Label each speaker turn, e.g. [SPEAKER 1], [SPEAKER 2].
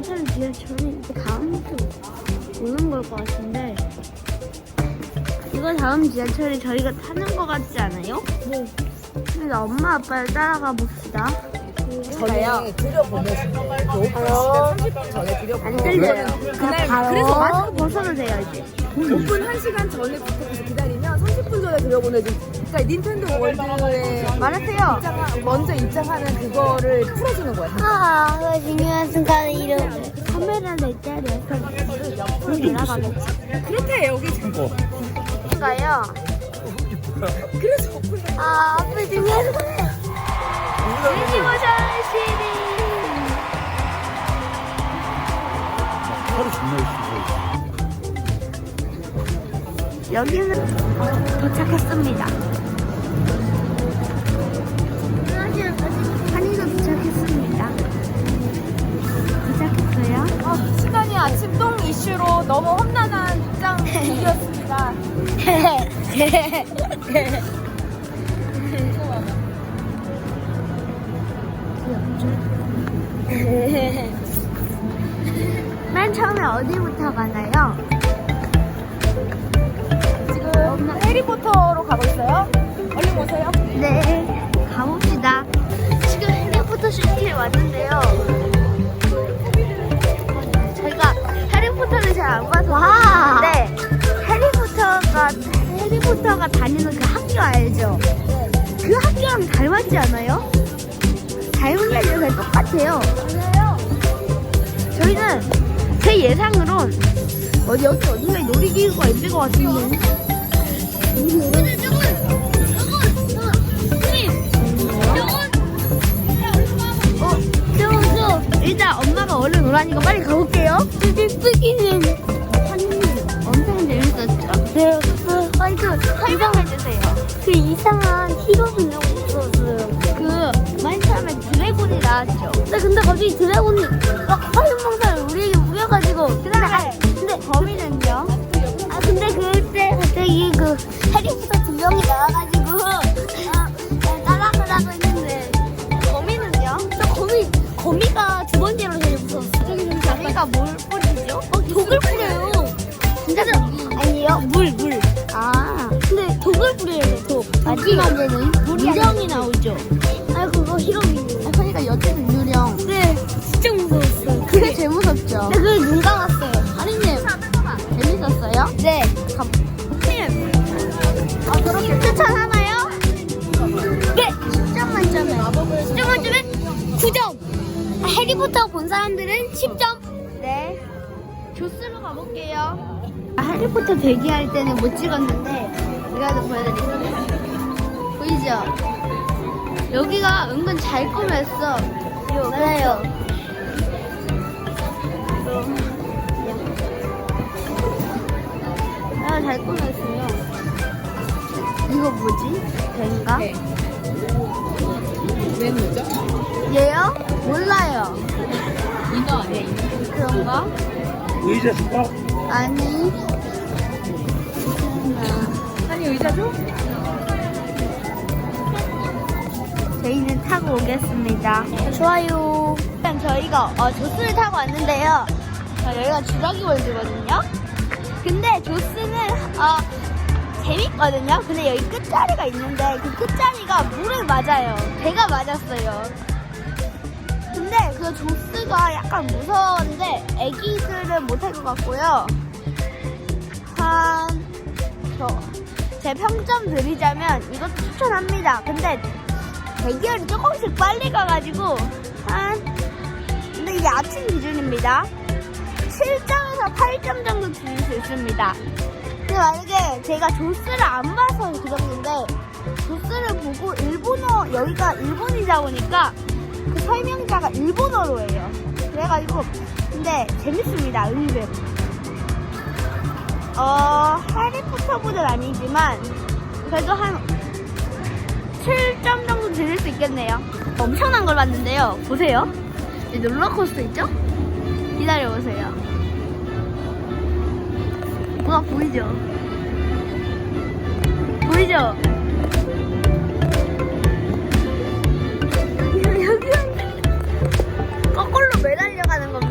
[SPEAKER 1] 차는 지하철이 다음부터 오는 걸 것 같은데 이거 다음 지하철이 저희가 타는 것 같지 않아요? 네. 그래서 엄마 아빠를 따라가 봅시다.
[SPEAKER 2] 전에 들여보내주고 오픈 시간 30분 전에
[SPEAKER 1] 안
[SPEAKER 2] 들여보내주고
[SPEAKER 1] 들려요.
[SPEAKER 2] 그날
[SPEAKER 1] 그래서 마스크 벗어도 돼요 이제.
[SPEAKER 2] 오픈 1시간 전에 부탁해서 기다리면 30분 전에 들여보내주고 그러니까 닌텐도 월드에
[SPEAKER 1] 말하세요.
[SPEAKER 2] 먼저 입장하는 그거를 풀어주는 거야.
[SPEAKER 1] 아, 그 중요한 순간에 이런 카메라 내 자리에서 옆으로 돌아가겠지.
[SPEAKER 2] 그렇대 여기
[SPEAKER 1] 가요.
[SPEAKER 2] 그래서 오픈
[SPEAKER 1] 아, 앞에 중요한 순간. 뒤집어져 시리.
[SPEAKER 3] 하루 존나 있어.
[SPEAKER 1] 여기는 도착했습니다. 한이도 도착했습니다. 도착했어요?
[SPEAKER 2] 시간이 아침 똥 이슈로 너무 험난한 입장이었습니다.
[SPEAKER 1] 맨 처음에 어디부터 가나요?
[SPEAKER 2] 지금 해리포터로 가고 있어요. 얼른 오세요.
[SPEAKER 1] 네, 가봅시다. 지금 해리포터 시티에 왔는데요. 저희가 해리포터를 잘 안 봐서 그런데 해리포터가 다니는 그 학교 알죠? 그 학교랑 닮았지 않아요? 닮은 게 아니라 그냥 똑같아요. 저희는 제 예상으론 여기 어딘가에 놀이기구가 있을 것 같은데. 일단 엄마가 얼른 오라니까 빨리 가볼게요. 삐삐삐기는 엄청 재밌었죠? 네. 설명해주세요. 그 이상한 히로빈을 없었어요. 그 맨 처음에 드래곤이 나왔죠. 근데 갑자기 드래곤이 화염방사를 우리에게 우겨가지고 근데 거미는요? 아 근데 그때 갑자기 그 해리포터 2명이 나와가지고 따라가라고 했는데 거미는요? 거미가 두 번째로 제일 무서웠어요. 거미가 뭘 뿌리죠? 독을 뿌려요. 진짜 아니에요? 물. 아 근데 독을 뿌려요. 독. 마지막에는 유령이 나오죠. 아 그거 히로빈이에요. 그러니까 여태는 유령. 네 진짜 무서웠어요. 그게 제일 무섭죠. 근데 그게 눈 감았어요. 아니님 재밌었어요? 네. 님 그렇게 추천하나요? 네 10점 만점에 10점 만점에 9점. 해리포터 본 사람들은 10점. 네. 조스로 가볼게요. 해리포터 대기할 때는 못 찍었는데 이거도 보여드릴게요. 보이죠? 여기가 은근 잘 꾸몄어. 맞아요. 잘 꾸몄어요. 이거 뭐지? 뱀가?
[SPEAKER 2] 왜 뭐죠?
[SPEAKER 1] 얘요? 몰라요.
[SPEAKER 2] 이거 아니야 이거.
[SPEAKER 1] 그런가?
[SPEAKER 3] 의자 줄까?
[SPEAKER 1] 아니.
[SPEAKER 2] 아니 의자 줘?
[SPEAKER 1] 저희는 타고 오겠습니다. 좋아요. 일단 저희가 조스를 타고 왔는데요. 여기가 주라기 월드거든요. 근데 조스는 재밌거든요. 근데 여기 끝자리가 있는데 그 끝자리가 물을 맞아요. 배가 맞았어요. 근데 그 조스가 약간 무서운데 애기들은 못할 것 같고요. 제 평점 드리자면 이것도 추천합니다. 근데 대기열이 조금씩 빨리 가가지고 근데 이게 아침 기준입니다. 7점에서 8점 정도 드릴 수 있습니다. 근데 만약에 제가 조스를 안 봐서 그 정도인데 조스를 보고 일본어 여기가 일본이다 보니까 그 설명자가 일본어로 해요. 그래가지고 근데 재밌습니다. 은근 해리포터보다는 아니지만 그래도 한 7점 정도 드릴 수 있겠네요. 엄청난 걸 봤는데요. 보세요. 이 롤러코스터 있죠? 기다려보세요. 뭐가 보이죠? 보이죠? 여기 거꾸로 매달려가는 겁니다.